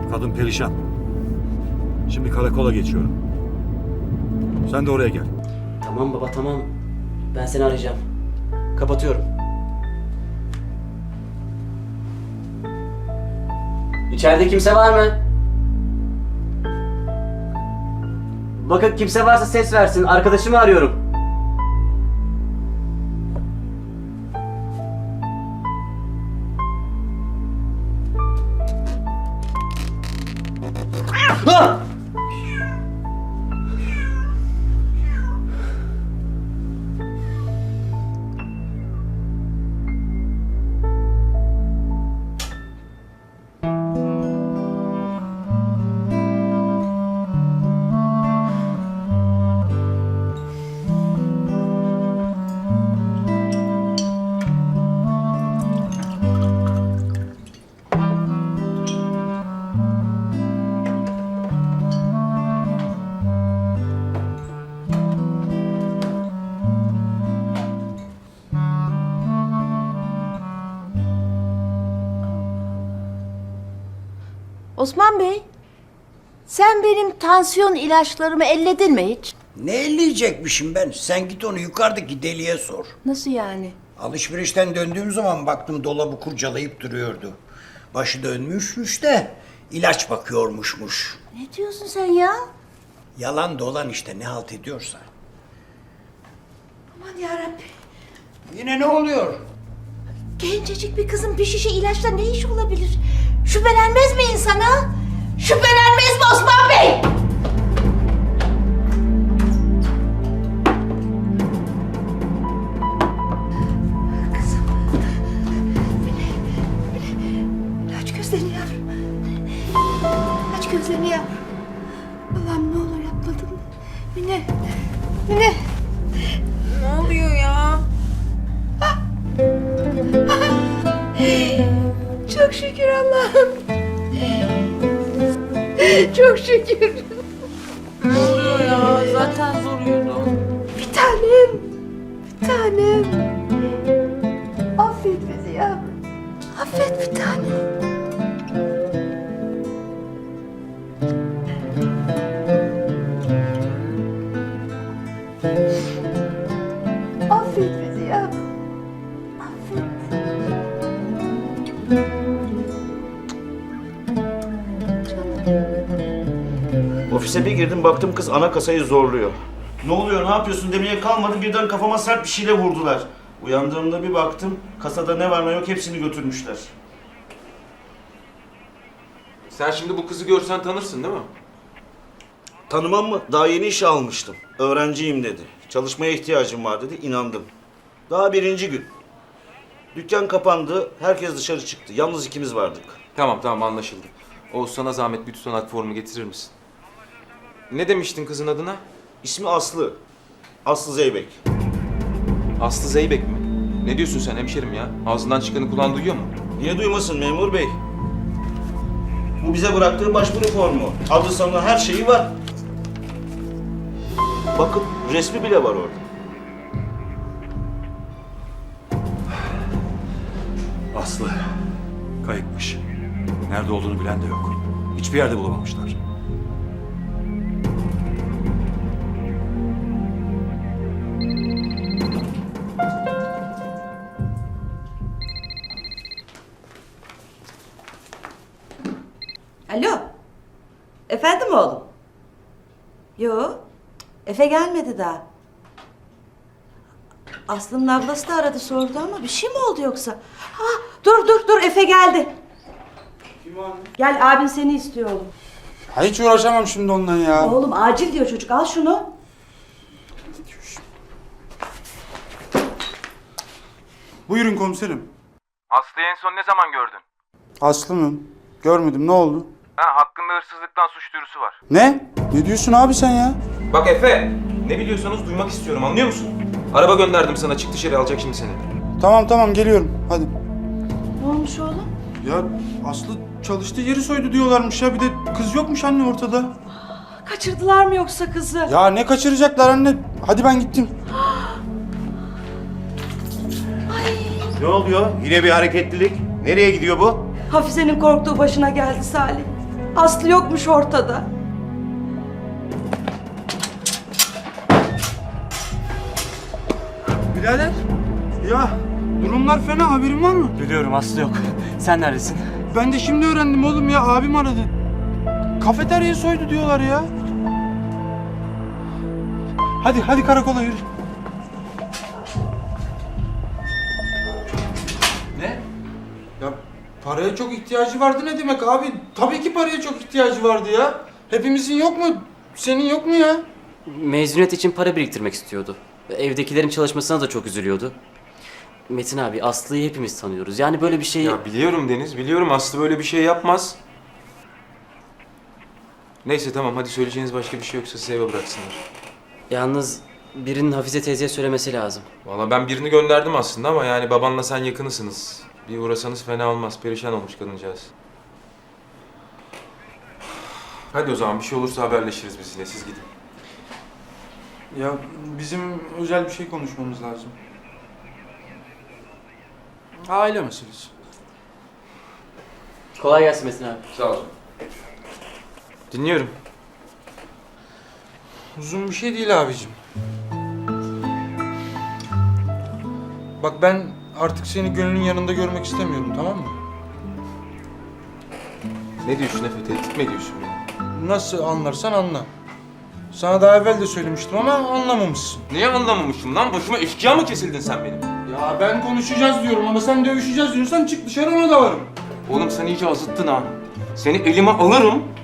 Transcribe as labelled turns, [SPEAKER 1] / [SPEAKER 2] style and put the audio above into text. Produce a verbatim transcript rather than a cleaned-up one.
[SPEAKER 1] Kadın perişan. Şimdi karakola geçiyorum. Sen de oraya gel.
[SPEAKER 2] Tamam baba tamam. Ben seni arayacağım. Kapatıyorum. İçeride kimse var mı? Bakın kimse varsa ses versin. Arkadaşımı arıyorum. Ah!
[SPEAKER 3] Osman Bey, sen benim tansiyon ilaçlarımı elledin mi hiç?
[SPEAKER 4] Ne elleyecekmişim ben? Sen git onu yukarıdaki deliye sor.
[SPEAKER 3] Nasıl yani?
[SPEAKER 4] Alışverişten döndüğüm zaman baktım dolabı kurcalayıp duruyordu. Başı dönmüşmüş de ilaç bakıyormuşmuş.
[SPEAKER 3] Ne diyorsun sen ya?
[SPEAKER 4] Yalan dolan işte ne halt ediyorsa.
[SPEAKER 3] Aman yarabbim.
[SPEAKER 4] Yine ne oluyor?
[SPEAKER 3] Gencecik bir kızın bir şişe ilaçla ne işi olabilir? Şüphelenmez mi insana? Şüphelenmez mi Osman Bey? Kızım. Mine, Mine. Aç gözlerini yavrum. Aç gözlerini yavrum. Allah'ım ne olur yapmadım. Mine. Mine.
[SPEAKER 5] Ne oluyor ya?
[SPEAKER 3] Çok şükür Allah'ım. Çok şükür.
[SPEAKER 5] Ne oluyor ya? Zaten zor yürüdüm.
[SPEAKER 3] Bir tanem. Bir tanem. Affet bizi yavrum. Affet bir tanem. Affet bizi yavrum. Affet.
[SPEAKER 6] Ofise bir girdim baktım kız ana kasayı zorluyor. Ne oluyor ne yapıyorsun demeye kalmadı birden kafama sert bir şeyle vurdular. Uyandığımda bir baktım kasada ne var ne yok hepsini götürmüşler.
[SPEAKER 7] Sen şimdi bu kızı görsen tanırsın değil mi?
[SPEAKER 6] Tanımam mı? Daha yeni işe almıştım. Öğrenciyim dedi. Çalışmaya ihtiyacım var dedi. İnandım. Daha birinci gün. Dükkan kapandı. Herkes dışarı çıktı. Yalnız ikimiz vardık.
[SPEAKER 7] Tamam tamam anlaşıldı. Oğuz sana zahmet bir tutanak formu getirir misin? Ne demiştin kızın adına?
[SPEAKER 6] İsmi Aslı. Aslı Zeybek.
[SPEAKER 7] Aslı Zeybek mi? Ne diyorsun sen hemşerim ya? Ağzından çıkanı kulağın duyuyor mu?
[SPEAKER 6] Niye duymasın memur bey? Bu bize bıraktığı başvuru formu. Adı sanı her şeyi var. Bakın resmi bile var orada.
[SPEAKER 1] Aslı kayıpmış. Nerede olduğunu bilen de yok. Hiçbir yerde bulamamışlar.
[SPEAKER 8] Alo. Efendim oğlum? Yo. Efe gelmedi daha. Aslı'nın ablası da aradı sordu ama bir şey mi oldu yoksa? Ha, dur dur dur Efe geldi.
[SPEAKER 9] Kim anne?
[SPEAKER 8] Gel abin seni istiyor oğlum.
[SPEAKER 9] Ha, hiç uğraşamam şimdi ondan ya.
[SPEAKER 8] Oğlum acil diyor çocuk al şunu.
[SPEAKER 9] Buyurun komiserim.
[SPEAKER 7] Aslı'yı en son ne zaman gördün?
[SPEAKER 9] Aslı mı? Görmedim, ne oldu?
[SPEAKER 7] Ha, hakkında hırsızlıktan suç duyurusu var.
[SPEAKER 9] Ne? Ne diyorsun abi sen ya?
[SPEAKER 7] Bak Efe, ne biliyorsanız duymak istiyorum anlıyor musun? Araba gönderdim sana çık dışarı alacak şimdi seni.
[SPEAKER 9] Tamam tamam geliyorum hadi.
[SPEAKER 8] Ne olmuş oğlum?
[SPEAKER 9] Ya Aslı çalıştığı yeri soydu diyorlarmış ya, bir de kız yokmuş anne ortada.
[SPEAKER 8] Kaçırdılar mı yoksa kızı?
[SPEAKER 9] Ya ne kaçıracaklar anne? Hadi ben gittim.
[SPEAKER 6] Ne oluyor? Yine bir hareketlilik. Nereye gidiyor bu?
[SPEAKER 8] Hafize'nin korktuğu başına geldi Salih. Aslı yokmuş ortada.
[SPEAKER 9] Birader. Ya durumlar fena, haberin var mı?
[SPEAKER 2] Biliyorum Aslı yok. Sen neredesin?
[SPEAKER 9] Ben de şimdi öğrendim oğlum ya, abim aradı. Kafeteryayı soydu diyorlar ya. Hadi hadi karakola yürü.
[SPEAKER 7] Ne?
[SPEAKER 9] Ya paraya çok ihtiyacı vardı ne demek abi? Tabii ki paraya çok ihtiyacı vardı ya. Hepimizin yok mu? Senin yok mu ya?
[SPEAKER 2] Mezuniyet için para biriktirmek istiyordu. Evdekilerin çalışmasına da çok üzülüyordu. Metin abi, Aslı'yı hepimiz tanıyoruz. Yani böyle bir şey...
[SPEAKER 7] Ya biliyorum Deniz, biliyorum Aslı böyle bir şey yapmaz. Neyse tamam, hadi söyleyeceğiniz başka bir şey yoksa size eve bıraksınlar.
[SPEAKER 2] Yalnız birinin Hafize teyzeye söylemesi lazım.
[SPEAKER 7] Vallahi ben birini gönderdim aslında ama yani babanla sen yakınısınız. Bir uğrasanız fena olmaz, perişan olmuş kadıncağız. Hadi o zaman bir şey olursa haberleşiriz biz yine, siz gidin.
[SPEAKER 9] Ya bizim özel bir şey konuşmamız lazım. Aile meselesi.
[SPEAKER 2] Kolay gelsin Metin abi.
[SPEAKER 7] Sağ olun. Dinliyorum.
[SPEAKER 9] Uzun bir şey değil abicim. Bak ben artık seni gönlün yanında görmek istemiyorum, tamam mı?
[SPEAKER 7] Ne diyorsun Efe, tehdit mi ediyorsun beni?
[SPEAKER 9] Nasıl anlarsan anla. Sana daha evvel de söylemiştim ama anlamamışsın.
[SPEAKER 7] Niye anlamamışım lan? Başıma eşkıya mı kesildin sen benim?
[SPEAKER 9] Ya ben konuşacağız diyorum ama sen dövüşeceğiz diyorsan çık dışarı, ona da varım.
[SPEAKER 7] Oğlum sen iyice azıttın ha. Seni elime alırım,